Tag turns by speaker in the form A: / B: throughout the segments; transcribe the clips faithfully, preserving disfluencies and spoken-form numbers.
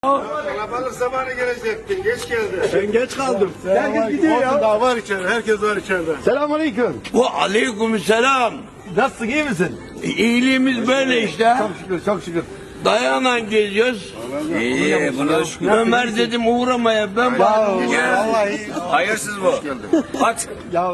A: Kalabalık zamanı gelecektin, geç geldin.
B: Ben geç kaldım. Herkes gidiyor ya. Daha var içeride, herkes var içeride. Selamünaleyküm.
C: Bu aleykümselam.
B: Nasılsın, iyi misin?
C: İyiliğimiz böyle işte.
B: Çok şükür, çok şükür.
C: Dayanan geziyoruz. İyi, buna şükür. Ömer dedim uğramaya ben varım.
B: Vallahi.
A: Hayırsız bu. Aç.
B: Ya.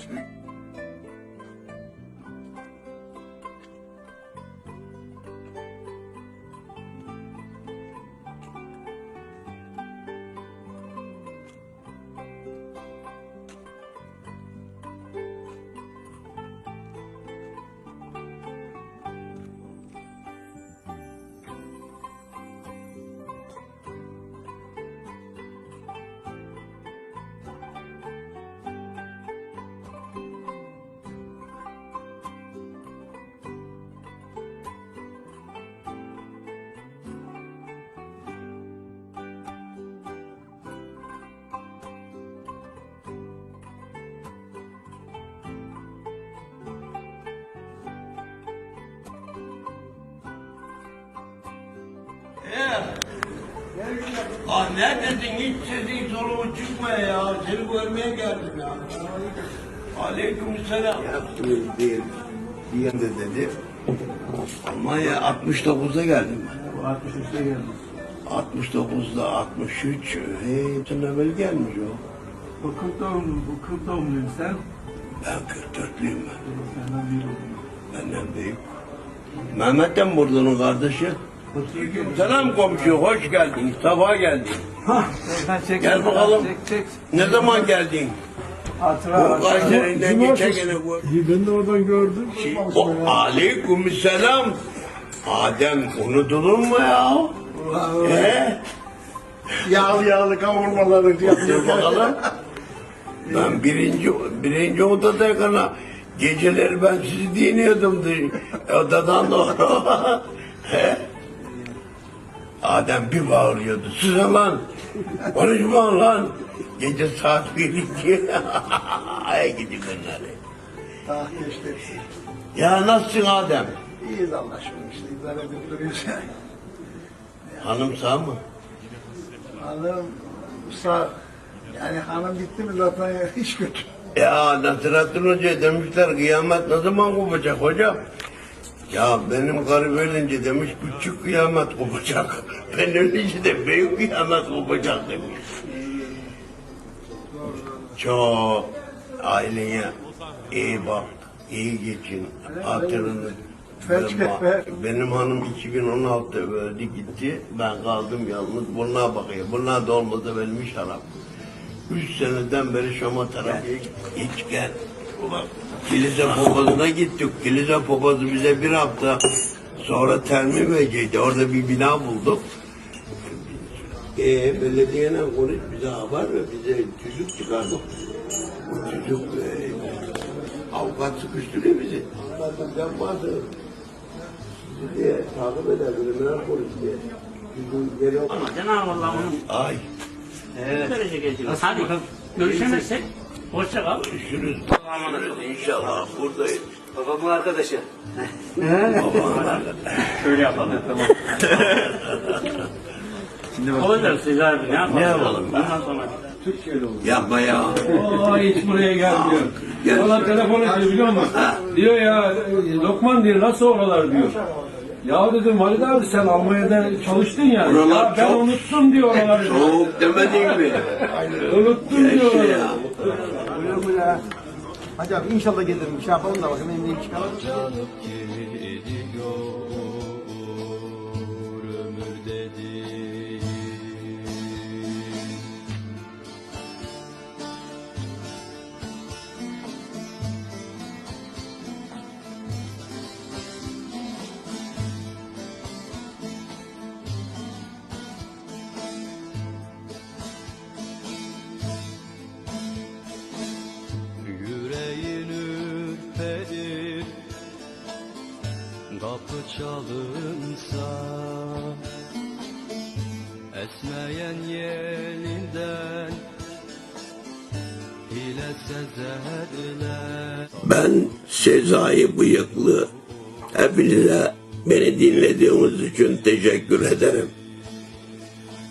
C: Ah neredesin? Hiç sesin soluğun çıkmıyor ya. Seni görmeye geldim ya. Aleykümselam.
D: Yaptınız değil, diyen de dedi.
C: Ama ya altmış dokuzda geldim ben.
B: altmış üçte geldim.
C: altmış dokuzda altmış üç. Hey, sen evvel gelmiş o.
B: Bu kırk doğumlu, bu kırk doğumluyum sen.
C: Ben kırk dörtlüyüm ben.
B: Senden büyük oldum.
C: Benden büyük. Mehmet'ten buradanın kardeşi. Selam komşu, hoş geldin. Sabah geldin.
B: Sen çek.
C: Gel bakalım.
B: Çek çek.
C: Ne zaman geldin?
B: Hatıra.
C: Bu Kayseri'den geçen gene bu.
B: Ben de oradan gördüm.
C: Şey, o aleykümselam. Adem unutulur mu ya? He?
B: Yağlı yağlı kavurmaları
C: Dur bakalım. Ben birinci birinci odadayken geceleri ben sizi dinliyordum odadan doğru. He? Adem bir bağırıyordu. Susun lan. Konuşma lan. Gece saat bir iki. Ay gidi günleri.
B: Ah geçti.
C: Ya nasılsın Adem?
B: İyiyiz Allah aşkına işte idare edip duruyoruz.
C: Hanım sağ mı?
B: Hanım sağ. Yani hanım gitti mi zaten hiç kötü.
C: Ya Nasrettin Hoca demişler kıyamet ne zaman kopacak hocam? Ya benim karı ölünce demiş küçük kıyamet kopacak. Ben ölünce de büyük kıyamet kopacak demiş. Çok aileye iyi bak, iyi geçin, hatırını verme. Benim hanım iki bin on altıda öldü gitti, ben kaldım yalnız. Bunlar bakıyor, bunlar da olmadı benim iş haram. Üç seneden beri Şam'a terapiye hiç gel. Ulan kilise papazına gittik. Kilise papazı bize bir hafta sonra termim verecekti. Orada bir bina bulduk. Ee, belediyeyle konuş bize haber ve bize tüzük çıkardık. Bu tüzük e, avukat sıkıştırıyor bizi. Anladım ben bazı sizi diye takip eder, bilimler konuş diye. Tüzüğün geri
E: Ama Cenab-ı Allah onun
C: Ay.
E: evet. derece geçiyor. Hadi görüşemezsek hoşça kal.
C: Görüşürüz. İnşallah buradayız.
E: Babamın arkadaşı.
C: Babamın arkadaşı.
E: Şöyle yapalım. Tamam. Olacak siz abi ne yapalım?
C: Ne yapalım?
E: Bundan sonra.
C: Yapma ya.
F: Aa hiç buraya gelmiyor.
C: Gel.
F: Valla telefon ediyor biliyor musun? Diyor ya Lokman diyor nasıl oralar diyor. Ya dedim Halid abi sen Almanya'da çalıştın ya.
C: Oralar
F: Ya ben
C: çok-
F: unuttum diyor oraları.
C: Soğuk demedin mi?
F: Unuttum diyor
C: Yaşa
F: oraları.
C: ya.
B: Buyur buyur ha. Hacı abi inşallah gelirim. Bir şey yapalım da bakayım elimden çıkalım.
G: Yüreğin ürperir, kapı çalınsa, esmeyen yelinden hile sezerler.
C: Ben Sezai Bıyıklı. Hepinize beni dinlediğiniz için teşekkür ederim.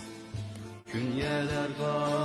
G: Künyeler var